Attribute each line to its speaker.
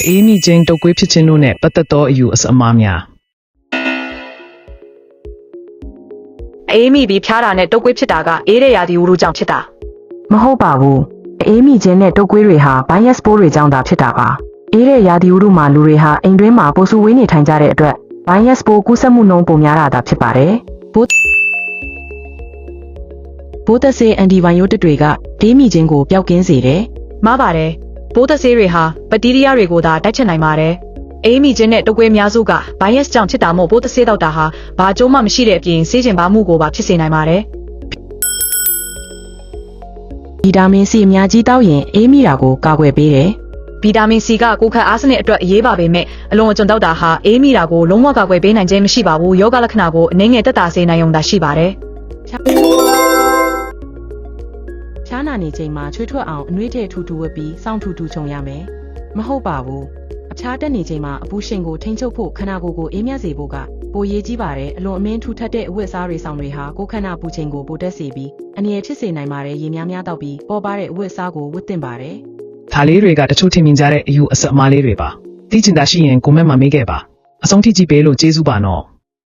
Speaker 1: အေးမိချင်းတုတ်ကွေးဖြစ်ခြင်းတို့နဲ့ပတ်သက်သောအယူအဆအမှားများ
Speaker 2: အေးမိပြီးဖျားတာနဲ့တုတ်ကွေးဖြစ်တာကအေးတဲ့ရာသီဥတုကြောင့်ဖြစ်တာ
Speaker 3: မဟုတ်ပါဘူးအေးမိခြင်းနဲ့တုတ်ကွေးတွေဟာဗိုင်းရပ်စ်ပိုးတွေကြောင့်သာဖြစ်တာပါအေးတဲ့ရာသီဥတုမှာလူတွေဟာအိမ်တွင်းမှာပိုဆူဝေးနေထိုင်ကြတဲ့အတွက်ဗိုင်းရပ်စ်ပိုးကူးစက်မှုနှုန်းပိုများတာသာဖြစ်ပါတယ်ဘိုးသက်ဆေးအန်တီဘိုင်ယိုတစ်တွေကအေးမိခြင်းကိုပျောက်ကင်းစေတယ်
Speaker 2: မှားပါတယ်ပိုးသက်ဆေးတွေဟာဘက်တီးရီးယားတွေကိုသာတိုက်ချက်နိုင်ပါတယ်အေးမိခြင်းနဲ့တုတ်ကွေးများစုကဗိုင်းရပ်စ်ကြောင့်ဖြစ်တာမို့ပိုးသက်ဆေးတောက်တာဟာဘာအကျိုးမှမရှိတဲ့အပြင်ဆေးကျင်ပါမှုကိုပါဖြစ်စေနိုင်ပါတယ်
Speaker 3: ဗီတာမင်စီအများကြီးတောက်ရင်အေးမိတာကိုကာကွယ်ပေးတယ်
Speaker 2: ဗီတာမင်စီကကိုယ်ခန့်အားစနစ်အတွက်အရေးပါပေမဲ့အလွန်အကျွံတောက်တာဟာအေးမိတာကိုလုံးဝကာကွယ်ပေးနိုင်ခြင်းမရှိပါဘူးယောဂလက္ခဏာကိုအနည်းငယ်သက်သာစေနိုင်ုံသာရှိပါတယ်
Speaker 3: ဖျားနာနေချိန်မှာချွေးထွက်အောင်အနှွေးထည့်ထူထူဝတ်ပြီးစောင့်ထူထူခြုံရမယ်မဟုတ်ပါဘူးအဖျားတက်နေချိန်မှာအပူရှင်ကိုထိန်းချုပ်ဖို့ခန္ဓာကိုယ်ကိုအေးမြစေဖို့ကပိုရေးကြီးပါတယ်အလွန်အမင်းထူထပ်တဲ့အဝတ်အစားတွေဆောင်တွေဟာကိုယ်ခန္ဓာပူချိန်ကိုပိုတက်စေပြီးအန္တရာယ်ဖြစ်စေနိုင်ပါတယ်ရေများများတောက်ပြီးပေါ်ပါတဲ့အဝတ်အစားကိုဝတ်သင့်ပါတယ်
Speaker 1: ဒါလေးတွေကတချို့ထင်မြင်ကြတဲ့အယူအဆအမှားလေးတွေပါသိချင်တာရှိရင်ကိုမန့်မှာမေးခဲ့ပါအဆုံးထိကြည့်ပေးလို့ကျေးဇူးပါနော်